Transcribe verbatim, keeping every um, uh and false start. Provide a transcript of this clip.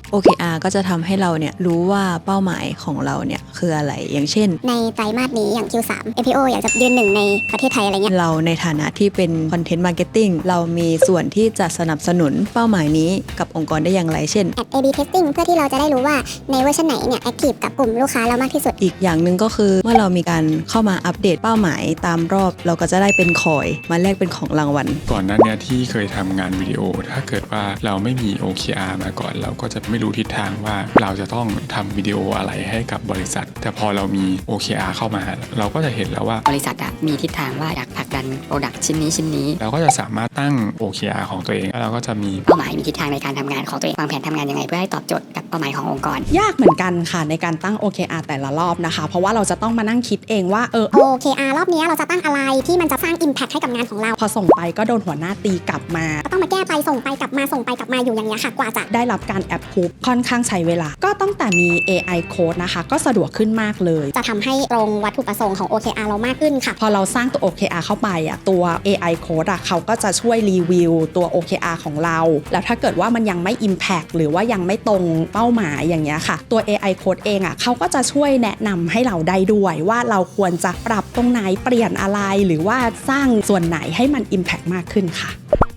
โอ เค อาร์ ก็จะทำให้เราเนี่ยรู้ว่าเป้าหมายของเราเนี่ยคืออะไรอย่างเช่นในไตรมาสนี้อย่าง คิว สาม เอ พี โอ อยากจะยืนหนึ่งในประเทศไทยอะไรเงี้ยเราในฐานะที่เป็น Content Marketing เรามีส่วนที่จะสนับสนุนเป้าหมายนี้กับองค์กรได้อย่างไรเช่นแอด เอ บี Testing เพื่อที่เราจะได้รู้ว่าในเวอร์ชันไหนเนี่ยแอคทีฟกับกลุ่มลูกค้าเรามากที่สุดอีกอย่างหนึ่งก็คือเมื่อเรามีการเข้ามาอัปเดตเป้าหมายตามรอบเราก็จะได้เป็นคอยมาแลกเป็นของรางวัลก่อนหน้านี้ที่เคยทำงานวิดีโอถ้าเกิดว่าเราไม่มี โอ เค อาร์ มาก่อนเราก็จะไม่รู้ทิศทางว่าเราจะต้องทำวิดีโออะไรให้กับบริษัทแต่พอเรามี โอ เค อาร์ เข้ามาเราก็จะเห็นแล้วว่าบริษัทอะมีทิศทางว่าอยากผลักดันโปรดักต์ชิ้นนี้ชิ้นนี้เราก็จะสามารถตั้ง โอ เค อาร์ ของตัวเองแล้วเราก็จะมีเป้าหมายมีทิศทางในการทำงานของตัวเองวางแผนทำงานยังไงเพื่อให้ตอบโจทย์กับเป้าหมายขององค์กรยากเหมือนกันค่ะในการตั้ง โอ เค อาร์ แต่ละรอบนะคะเพราะว่าเราจะต้องมานั่งคิดเองว่าเออโอ เค อาร์ รอบนี้เราจะตั้งอะไรที่มันจะสร้าง Impact ให้กับงานของเราพอส่งไปก็โดนหัวหน้าตีกลับมาก็ต้องมาแก้ไปส่งไปกลับมาส่งไปกลับมาอยู่อย่างเงี้ยค่ะกว่าจะได้รับการแอปพูฟค่อนข้างใช้เวลาก็ตั้งแต่มี เอ ไอ Code นะคะก็สะดวกขึ้นมากเลยจะทำให้ตรงวัตถุประสงค์ของ โอ เค อาร์ เรามากขึ้นค่ะพอเราสร้างตัว โอ เค อาร์ เข้าไปอ่ะตัว เอ ไอ Code อ่ะเขาก็จะช่วยรีวิวตัว โอ เค อาร์ ของเราแล้วถ้าเกิดว่ามันยังไม่ Impact หรือว่ายังไม่ตรงเป้าหมายอย่างเงี้ยค่ะตัว เอ ไอ Code เองอ่ะเขาก็จะช่วยแนะนำให้เราได้ด้วยว่าเราควรจะปรับตรงไหนเปลี่ยนอะไรหรือว่าสร้างส่วนไหนให้มัน Impact มากขึ้นค่ะ